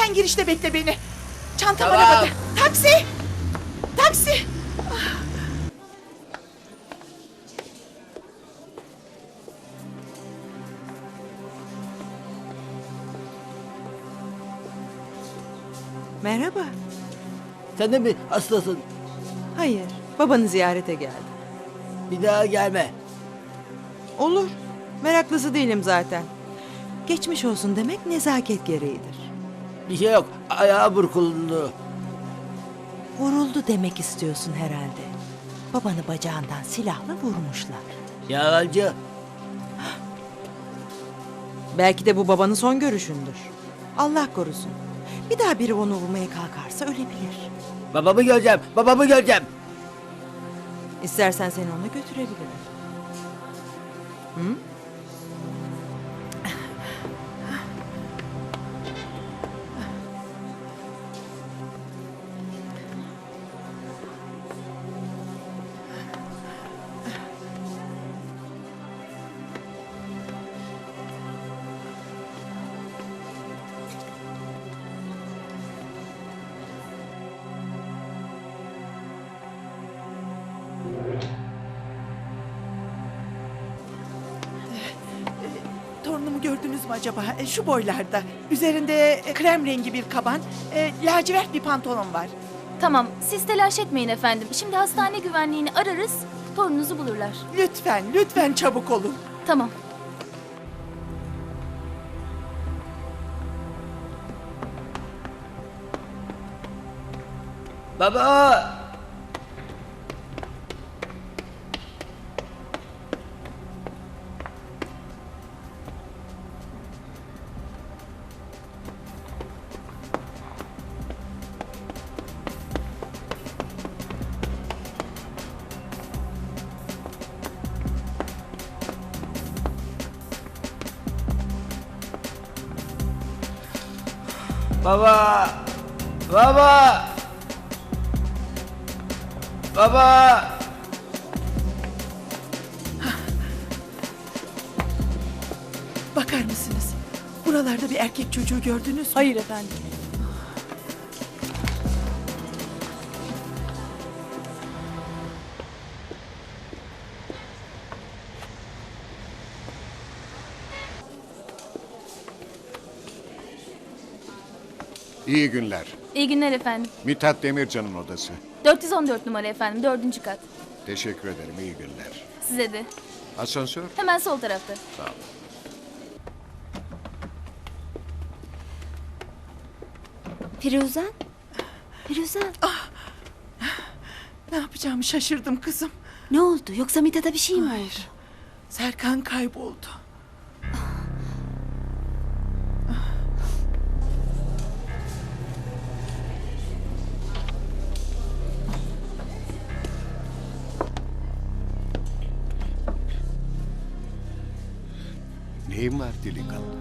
Hemen girişte bekle beni. Çantam Tamam. arabada. Taksi! Taksi! Merhaba. Sen de mi hastasın? Hayır, babanı ziyarete geldim. Bir daha gelme. Olur, meraklısı değilim zaten. Geçmiş olsun demek nezaket gereğidir. Bir şey yok. Ayağı burkuldu. Vuruldu demek istiyorsun herhalde. Babanı bacağından silahla vurmuşlar. Yalancı. Belki de bu babanın son görüşündür. Allah korusun. Bir daha biri onu vurmaya kalkarsa ölebilir. Babamı göreceğim. Babamı göreceğim. İstersen seni ona götürebilirim. Hı? Torunumu gördünüz mü acaba? Şu boylarda. Üzerinde krem rengi bir kaban, lacivert bir pantolon var. Tamam, siz telaş etmeyin efendim. Şimdi hastane güvenliğini ararız, torununuzu bulurlar. Lütfen, lütfen çabuk olun. Tamam. Baba! Baba! Baba! Baba! Bakar mısınız? Buralarda bir erkek çocuğu gördünüz mü? Hayır efendim. İyi günler. İyi günler efendim. Mithat Demircan'ın odası. 414 numara efendim, 4. kat. Teşekkür ederim, iyi günler. Size de. Asansör? Hemen sol tarafta. Sağ olun. Firuzan? Firuzan, Ne yapacağımı şaşırdım kızım. ne oldu? Yoksa Mithat'a bir şey mi oldu? Hayır. Serkan kayboldu. Neyin var delikanlı?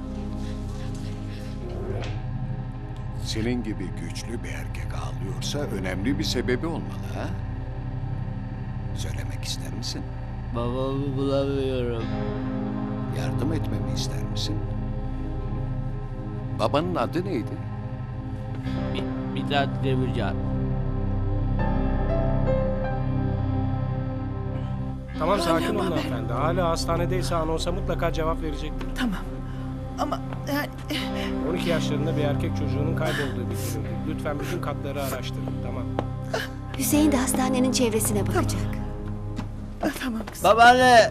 Senin gibi güçlü bir erkek ağlıyorsa önemli bir sebebi olmalı ha? Söylemek ister misin? Babamı bulamıyorum. Yardım etmemi ister misin? Babanın adı neydi? Mithat Demircan. Tamam sakin Hala olun haber. hanımefendi. Hala hastanedeyse anonsa mutlaka cevap verecektir. Tamam. Ama yani 12 yaşlarında bir erkek çocuğunun kaybolduğu bildirildi. Lütfen bütün katları araştırın. Tamam. Hüseyin de hastanenin çevresine bakacak. tamam kızım. Babaanne!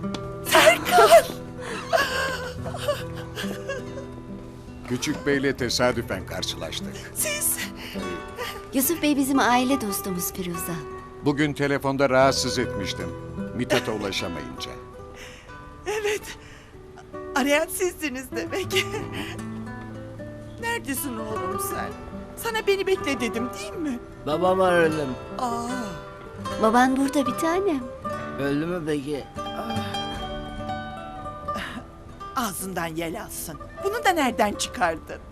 Küçük Bey'le tesadüfen karşılaştık. Siz Yusuf Bey bizim aile dostumuz Firuzan. Bugün telefonda rahatsız etmiştim. Mithat'a ulaşamayınca. evet. Arayan sizdiniz demek. Neredesin oğlum sen? Sana beni bekle dedim değil mi? Babam aradım. Aa, Baban burada bir tanem. Öldü mü peki? ağzından yel alsın. Bunu da nereden çıkardın?